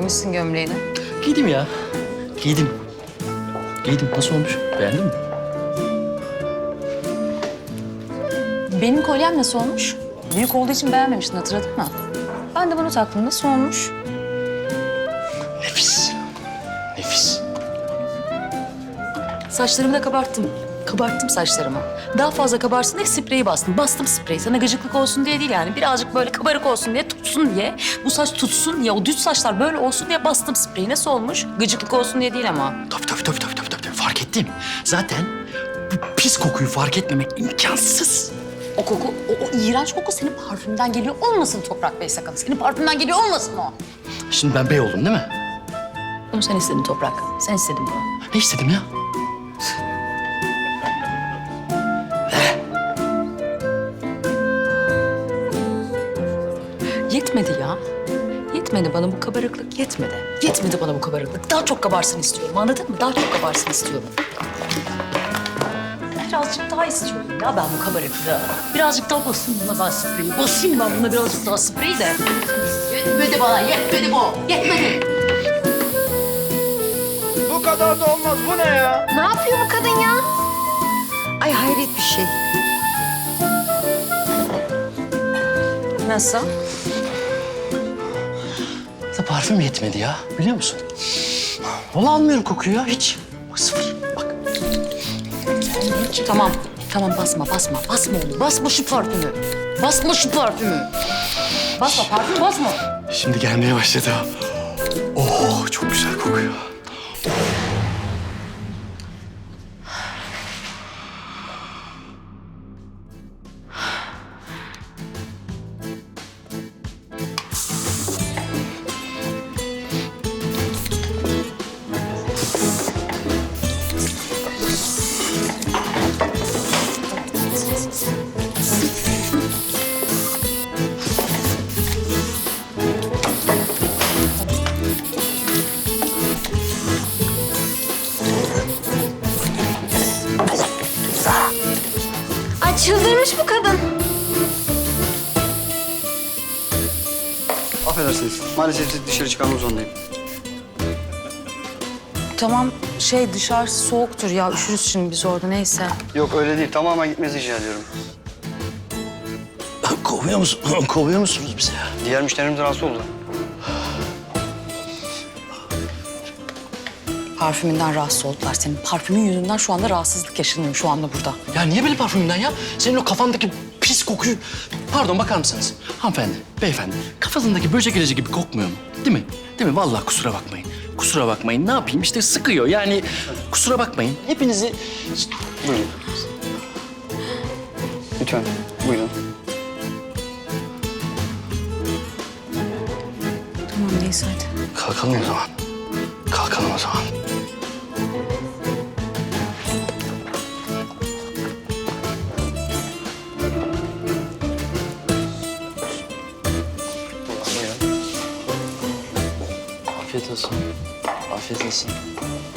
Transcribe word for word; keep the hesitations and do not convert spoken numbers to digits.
giymişsin gömleğini. Giydim ya. Giydim. Giydim. Nasıl olmuş? Beğendin mi? Benim kolyem nasıl olmuş? Büyük olduğu için beğenmemiştin, hatırladın mı? Ben de bunu taktım. Nasıl olmuş? Nefis. Nefis. Saçlarımı da kabarttım. Kabarttım saçlarımı. Daha fazla kabarsın diye spreyi bastım. Bastım spreyi. Sana gıcıklık olsun diye değil yani. Birazcık böyle kabarık olsun diye, tutsun diye. Bu saç tutsun diye, o düz saçlar böyle olsun diye bastım spreyi. Nasıl olmuş? Gıcıklık olsun diye değil ama. Tabii tabii tabii tabii tabii. tabii. Fark ettim. Zaten bu pis kokuyu fark etmemek imkansız. O koku, o, o iğrenç koku senin parfümden geliyor olmasın Toprak Bey sakın. Senin parfümden geliyor olmasın o. Şimdi ben bey oldum değil mi? Bunu sen istedin Toprak. Sen istedin bunu. Ne istedim ya? Yetmedi ya. Yetmedi bana bu kabarıklık, yetmedi. Yetmedi bana bu kabarıklık. Daha çok kabarsın istiyorum, anladın mı? Daha çok kabarsın istiyorum. Birazcık daha istiyorum ya ben bu kabarıklığı. Birazcık daha basayım buna ben spreyi. Basayım ben buna birazcık daha spreyi de. Yetmedi bana, yetmedi bu. Yetmedi. Bu kadar da olmaz. Bu ne ya? Ne yapıyor bu kadın ya? Ay hayret bir şey. Nasıl? Da parfüm yetmedi ya. Biliyor musun? Vallahi almıyorum kokuyu ya hiç. Bak sıfır. Bak. Tamam, tamam basma, basma. Basma onu, basma şu parfümü. Basma şu parfümü. Basma, parfüm basma. Şimdi gelmeye başladı. Oh çok güzel kokuyor. Ay çıldırmış bu kadın. Affedersiniz. Maalesef dışarı çıkarmak zorundayım. Tamam, şey dışarısı soğuktur ya. Üşürüz şimdi biz orada, neyse. Yok öyle değil. Tamamen gitmenizi rica ediyorum. Kovuyor musun? Kovuyor musunuz bizi ya? Diğer müşterimiz rahatsız oldu. Parfümünden rahatsız oldular senin. Parfümün yüzünden şu anda rahatsızlık yaşanıyor şu anda burada. Ya niye böyle parfümden ya? Senin o kafandaki pis kokuyu... Pardon bakar mısınız? Hanımefendi, beyefendi. Kafanızdaki böcek ilacı gibi kokmuyor mu? Değil mi? Değil mi? Vallahi kusura bakmayın. Kusura bakmayın. Ne yapayım? İşte sıkıyor. Yani kusura bakmayın. Hepinizi... Buyurun. Lütfen. Buyurun. Tamam neyse hadi. Kalkalım o zaman. Kalkalım o zaman. Buyurun. Afiyet olsun. Afiyet olsun.